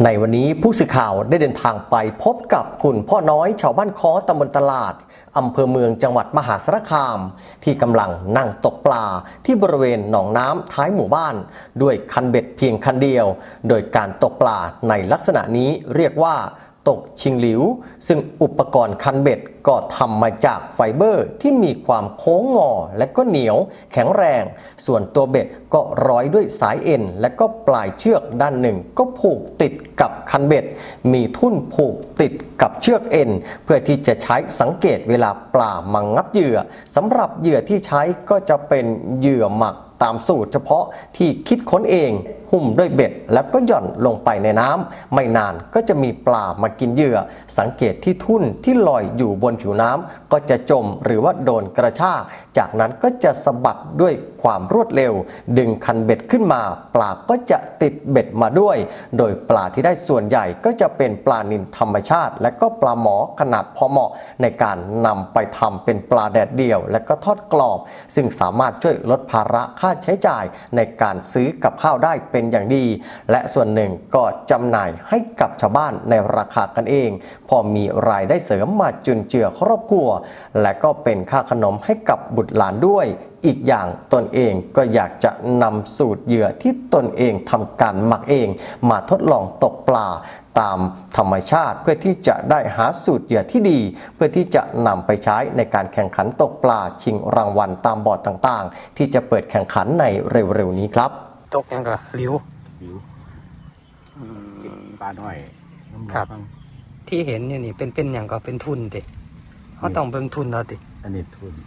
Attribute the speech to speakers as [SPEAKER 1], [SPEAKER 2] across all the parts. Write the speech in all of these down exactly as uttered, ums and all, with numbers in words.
[SPEAKER 1] ในวันนี้ผู้สื่อข่าวได้เดินทางไปพบกับคุณพ่อน้อยชาวบ้านค้อตำบลตลาดอำเภอเมืองจังหวัดมหาสารคามที่กำลังนั่งตกปลาที่บริเวณหนองน้ำท้ายหมู่บ้านด้วยคันเบ็ดเพียงคันเดียวโดยการตกปลาในลักษณะนี้เรียกว่าตกชิงหลิวซึ่งอุปกรณ์คันเบ็ดก็ทำมาจากไฟเบอร์ที่มีความโค้งงอและก็เหนียวแข็งแรงส่วนตัวเบ็ดก็ร้อยด้วยสายเอ็นและก็ปลายเชือกด้านหนึ่งก็ผูกติดกับคันเบ็ดมีทุ่นผูกติดกับเชือกเอ็นเพื่อที่จะใช้สังเกตเวลาปลามางับเหยื่อสำหรับเหยื่อที่ใช้ก็จะเป็นเหยื่อหมักตามสูตรเฉพาะที่คิดค้นเองหุ้มด้วยเบ็ดแล้วก็หย่อนลงไปในน้ำไม่นานก็จะมีปลามากินเหยื่อสังเกตที่ทุ่นที่ลอยอยู่บนผิวน้ำก็จะจมหรือว่าโดนกระชากจากนั้นก็จะสะบัดด้วยความรวดเร็วดึงคันเบ็ดขึ้นมาปลาก็จะติดเบ็ดมาด้วยโดยปลาที่ได้ส่วนใหญ่ก็จะเป็นปลานิลธรรมชาติและก็ปลาหมอขนาดพอเหมาะในการนำไปทำเป็นปลาแดดเดี่ยวและก็ทอดกรอบซึ่งสามารถช่วยลดภาระค่าใช้จ่ายในการซื้อกับข้าวได้เป็นอย่างดีและส่วนหนึ่งก็จำหน่ายให้กับชาวบ้านในราคากันเองพอมีรายได้เสริมมาจุนเจือครอบครัวและก็เป็นค่าขนมให้กับบุตรหลานด้วยอีกอย่างตนเองก็อยากจะนำสูตรเหยื่อที่ตนเองทำการหมักเองมาทดลองตกปลาตามธรรมชาติเพื่อที่จะได้หาสูตรเหยื่อที่ดีเพื่อที่จะนำไปใช้ในการแข่งขันตกปลาชิงรางวัลตามบอร์ดต่างๆที่จะเปิดแข่งขันในเร็วๆนี้ครับ
[SPEAKER 2] ตกยังก็ริ้ว
[SPEAKER 3] ริ้วปลาหน่อย
[SPEAKER 2] ครับที่เห็นอยู่นี่เป็นเป็นอย่างก็เป็นทุนติเขาต้องเบิ่งทุนเราติ
[SPEAKER 3] อันนี้ทุน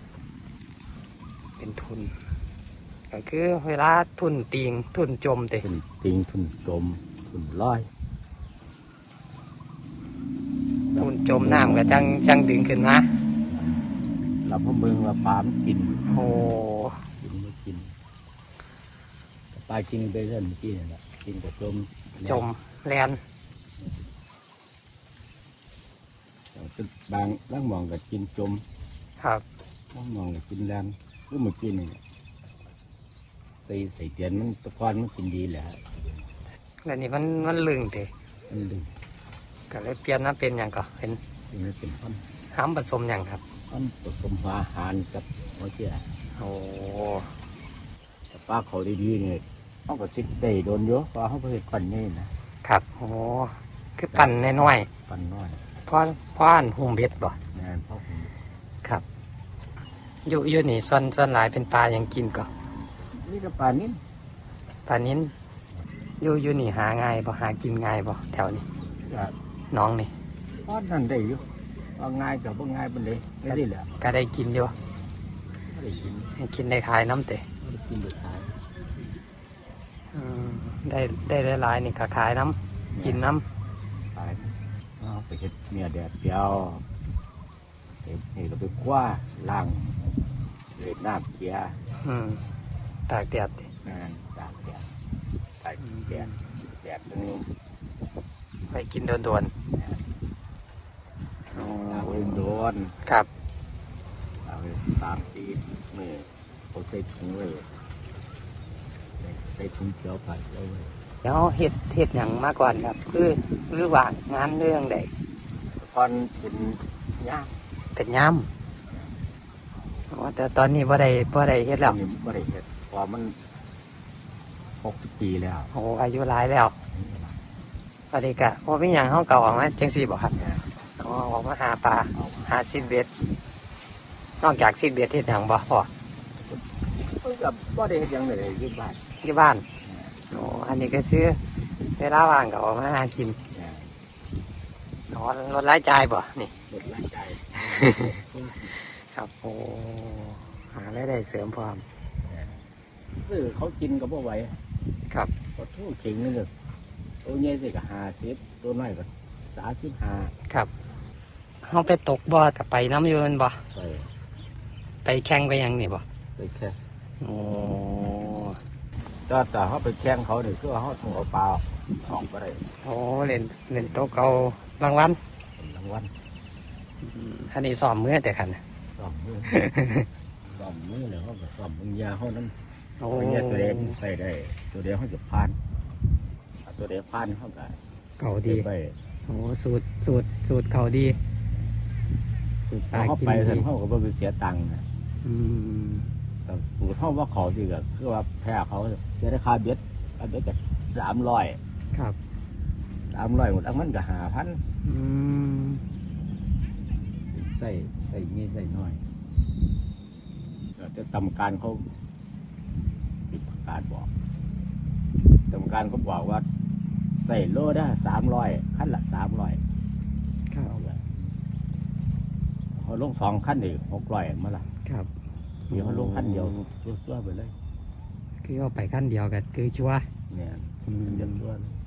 [SPEAKER 2] เป็นทุนก็คือเวลาทุนติงทุนจมติ
[SPEAKER 3] ทุนติงทุนจมทุนลอย
[SPEAKER 2] ทุนจมน้ำก็จังจังดึงขึ้นมา
[SPEAKER 3] เราพวกมึงว่าปลามันกิน
[SPEAKER 2] โอ้
[SPEAKER 3] กินไม่กินปลากินไปเรื่อยเมื่อกี้นี่แหละกินกับจม
[SPEAKER 2] จมแลน
[SPEAKER 3] บางล่างมองกับกินจม
[SPEAKER 2] ครับ
[SPEAKER 3] ล่างมองกับกินแลนก็เมื่อกี้นี่ใส่ใส่เตียนมันตะกอนมันกินดีแหละ
[SPEAKER 2] แล้วนี่มันมันลึงติ
[SPEAKER 3] มันลึง
[SPEAKER 2] ก็เลยเปลี่ยนมาเป็นอย่างก็เป็น
[SPEAKER 3] เป็นข้น
[SPEAKER 2] ห้ามผสมอย่างครับ
[SPEAKER 3] ข้นผสมอาหารกับหัวเจี๊ยบ
[SPEAKER 2] โอ้
[SPEAKER 3] แต่ปลาเขาดีๆเนี่ยต้องกับซิกได้โดนเยอะปลาเขาไปปั่นนี่
[SPEAKER 2] นะครับโอ้คือปั่นน้อย
[SPEAKER 3] ๆปั่นน้อย
[SPEAKER 2] เพราะเพราะอันหุ่มเบ็ดบ่
[SPEAKER 3] แม่นเพราะหุ่ม
[SPEAKER 2] ครับอยู่อยู่นี่ส่วนส่วนหลายเป็นปลายังกินก็
[SPEAKER 3] นี่ก็ปลานิ้น
[SPEAKER 2] ปลานิ้นอยู่อยู่นี่หาง่ายบ่หากินง่ายบ่แถวนี้น้องนี่
[SPEAKER 3] พอนั่นได้อยู่ว่าง่ายกับว่าง่ายเป็นเลยไม่ได้เลย
[SPEAKER 2] ก็ได้กินอยู่
[SPEAKER 3] ได้กิน
[SPEAKER 2] ให้กินได้ขายน้ำเตะ
[SPEAKER 3] ได้กินได้ขาย
[SPEAKER 2] ได้ได้หลายนี่ก็ขายน้ำกินน้
[SPEAKER 3] ำขายไปเห็ดเนื้อแดดเดียวเห็ดนี่เราไปคว้าล่างเล็ดน้ำเกียร์
[SPEAKER 2] ตากแดดดิ
[SPEAKER 3] ตากแดดตากแดดแดดนึง
[SPEAKER 2] ไปกินโดนโดน
[SPEAKER 3] โอ้โดน
[SPEAKER 2] ครับ
[SPEAKER 3] สามสี่เมื่อเขาใส่ถุงเลยใส่ถุงเขียวไปเลย
[SPEAKER 2] แล้วเห็ดเห็ดอย่างมากกว่าครับคือหรือว่างานเรื่องใด
[SPEAKER 3] ตอนเป็นย่าม
[SPEAKER 2] เป็นย่ามแต่ตอนนี้ว่าได้ว่าได้เห็ดแล้ว
[SPEAKER 3] ว่าได้เห็ดพอมันหกสิบปีแล้ว
[SPEAKER 2] โอ้อายุหลายแล้วพอดีกะพอเป็นอย่างห้องเก่าออกมาจังสี่บอกครับอ๋อออกมาหาปลาหาซิดเบ็ดนอกจากซิดเบ็ดเห็ดอย่างบ่พอ
[SPEAKER 3] กับว่าได้เห็ดอย่างไรที่บ้าน
[SPEAKER 2] ที่บ้านโอ้อันนี้ก็ซื้อเวลาว่างก็ออกมาหากินนอนรถไล่ใจบ่นี่
[SPEAKER 3] รถไล่ใจ
[SPEAKER 2] ครับโอ้หาได้ได้เสริมความ
[SPEAKER 3] ซื้อเขากินกับพวกไหว
[SPEAKER 2] ครับ
[SPEAKER 3] ก็ทุ่งเข่งนี่เลยตัวใหญ่สิก็หาสิบตัวน้อยก็สามสิบห้า
[SPEAKER 2] ครับเขาไปตกบ่อแต่ไปน้ำยืนบ่
[SPEAKER 3] ไป
[SPEAKER 2] ไปแข่งไปยังนี่บ่
[SPEAKER 3] ไปแข่ง
[SPEAKER 2] โอ้
[SPEAKER 3] แต่แต่เขาไปแข่งเขาเนี่ยคือเขาต้องเอาปลาออกไปเลย
[SPEAKER 2] โอ้เล่นเล่นโต๊ะเอารางวัล
[SPEAKER 3] รางวัล
[SPEAKER 2] อันนี้ซ้อมมือแต่ขัน
[SPEAKER 3] ซ้อมมือซ้อมมือแล้วเขาก็ซ้อมมึงยาเขานั้นโอ้ยตัวเดียวใส่ได้ตัวเดียวเขาจะพานตัวเดียวพันเข้าไป
[SPEAKER 2] เก่าดี
[SPEAKER 3] ไป
[SPEAKER 2] โอ้สูตรสูตรสูตรเขาดีสูตรปลา
[SPEAKER 3] เข้า
[SPEAKER 2] กิน
[SPEAKER 3] ไป
[SPEAKER 2] ดี
[SPEAKER 3] เสร็จเขาก็ไปเสียตังค์นะ
[SPEAKER 2] อืม
[SPEAKER 3] แต่ปูเขาว่าเขาสิก็คือว่าแพ้เขาเสียได้ค่าเบ็ดค่าเบ็ดก็สามร้อย
[SPEAKER 2] ครับ
[SPEAKER 3] สามร้อยหมดแล้วมันก็หาพัน
[SPEAKER 2] อืม
[SPEAKER 3] ใส่ใส่งี้ใส่น้อยแต่กรรมการเขาปิดประกาศบอกกรรมการเขาบอกว่า ใส่โลได้สามร้อยขั้นละสามร้อย
[SPEAKER 2] ครับ
[SPEAKER 3] เขาลงสองขั้นอีกหกร้อยมาละ
[SPEAKER 2] ครับ
[SPEAKER 3] เดี๋ยวเขาลงขั้นเดียวซัวๆไปเลย
[SPEAKER 2] คือเอาไปขั้นเดียวกันคือชัวร์
[SPEAKER 3] เนี่ย
[SPEAKER 2] อืม
[SPEAKER 3] เดียวซัวเลย